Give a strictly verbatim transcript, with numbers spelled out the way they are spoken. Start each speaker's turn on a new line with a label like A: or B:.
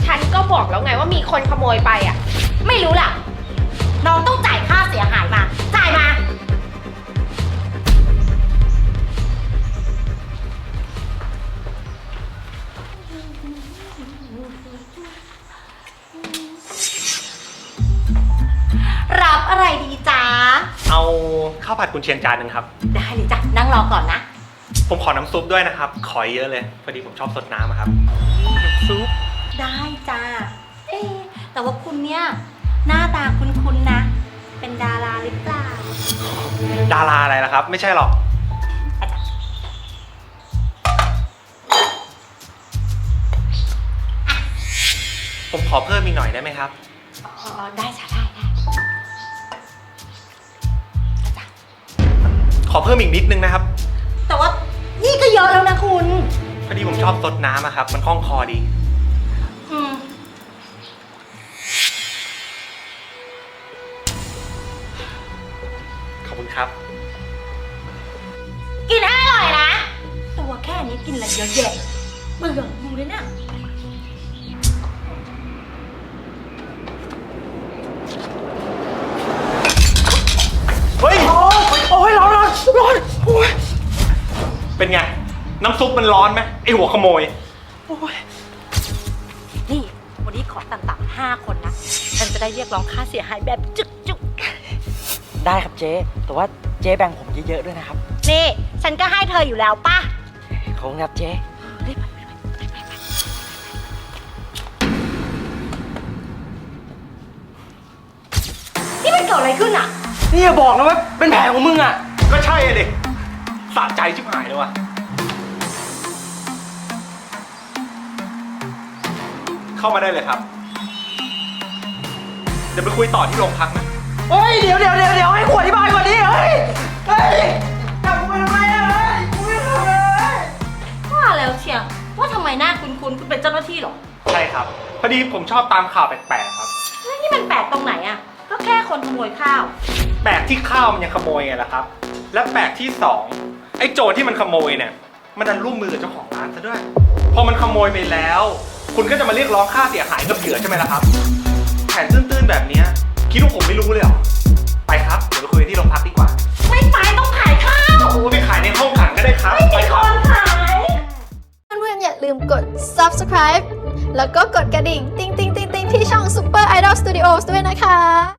A: ฉันก็บอกแล้วไงว่ามีคนขโมยไปอ่ะ
B: ไม่รู้ล่ะน้องต้องจ่ายค่าเสียหายมาจ่ายมารับอะไรดีจ๊ะ
C: เอาข้าวผัดกุนเชียงจานหนึ่งครับ
B: ได้เลยจ้ะนั่งรอก่อนนะ
C: ผมขอน้ำซุปด้วยนะครับขอเยอะเลยพอดีผมชอบสดน้ำครับซุป
B: ได้จ้าเอ๊ะแต่ว่าคุณเนี่ยหน้าตาคุ้นๆนะเป็นดาราหรือเปล่า
C: ดาราอะไรล่ะครับไม่ใช่หรอกผมขอเพิ่มอีกหน่อยได้ไหมครับ
B: อ๋อได้จ้ะได้ได้
C: ขอเพิ่มอีกนิดนึงนะครับ
B: แต่ว่านี่ก็เยอะแล้วนะคุณ
C: พอดีผมชอบซดน้ำอะครับมันคล่องคอดี
B: อืม
C: ขอบคุณครับ
B: กินให้อร่อยนะตัวแค่นี้กินอะไรเยอะแยะเบื่อดูเลยนะ
C: เฮ้ยโอ้ยโอ้ยร้อนร้อนร้อนโอ้ยเป็นไงน้ำซุปมันร้อนไหมไอหัวขโมยโอ้ย
B: นี่วันนี้ขอต่ำๆห้าคนนะฉันจะได้เรียกร้องค่าเสียหายแบบจุกจุก
D: ได้ครับเจ๊แต่ว่าเจ๊แบ่งผมเยอะๆด้วยนะครับ
B: นี่ฉันก็ให้เธออยู่แล้วป่ะ
D: ขอบคุณครับเจ๊
B: รีบไปนี่มันเกิดอะไรขึ้นอ่ะ
D: นี่อย่าบอกนะว่าเป็นแผลของมึงอ่ะ
C: ก็ใช่อะดิสะใจชิบหายเลยว่ะเข้ามาได้เลยครับเดี๋ยวไปคุยต่อที่โรงพักนะ
D: เฮ้ยเดี๋ยวเดี๋ยวเดี๋ยวเดี๋ยวให้ขวดที่บ้านก่อนดิเฮ้ยเฮ้ยจับกูไปทำไมอะเฮ้ยกูไม่ทำเลย
B: ว่าแล้วเชียงว่าทำไมหน้าคุ้นๆคุณเป็นเจ้าหน้าที่หรอ
C: ใช่ครับพอดีผมชอบตามข่าวแปลกๆครับ
B: แล้วนี่มันแปลกตรงไหนอ่ะก็แค่คนขโมยข้าว
C: แปลกที่ข้าวมันยังขโมยไงล่ะครับและแปลกที่สองไอ้โจรที่มันขโมยเนี่ยมันดันร่วมมือกับเจ้าของร้านซะด้วยพอมันขโมยไปแล้วคุณก็จะมาเรียกร้องค่าเสียหายกับเหยื่อใช่ไหมล่ะครับแผนตื้นๆแบบนี้คิดว่าผมไม่รู้เลยเหรอไปครับเดี๋ยวไปคุยที่โรงพักดีกว่า
B: ไม่ไปต้องขายข้าว
C: โอ้ไปขายในห้องขังก็ได้ครับ
B: ไม่มีคนขาย
E: เพื่อนๆอย่าลืมกด ซับสไครบ์ แล้วก็กดกระดิ่ง ติ๊งติ๊งติ๊งติ๊งที่ช่อง Super Idol Studios ด้วยนะคะ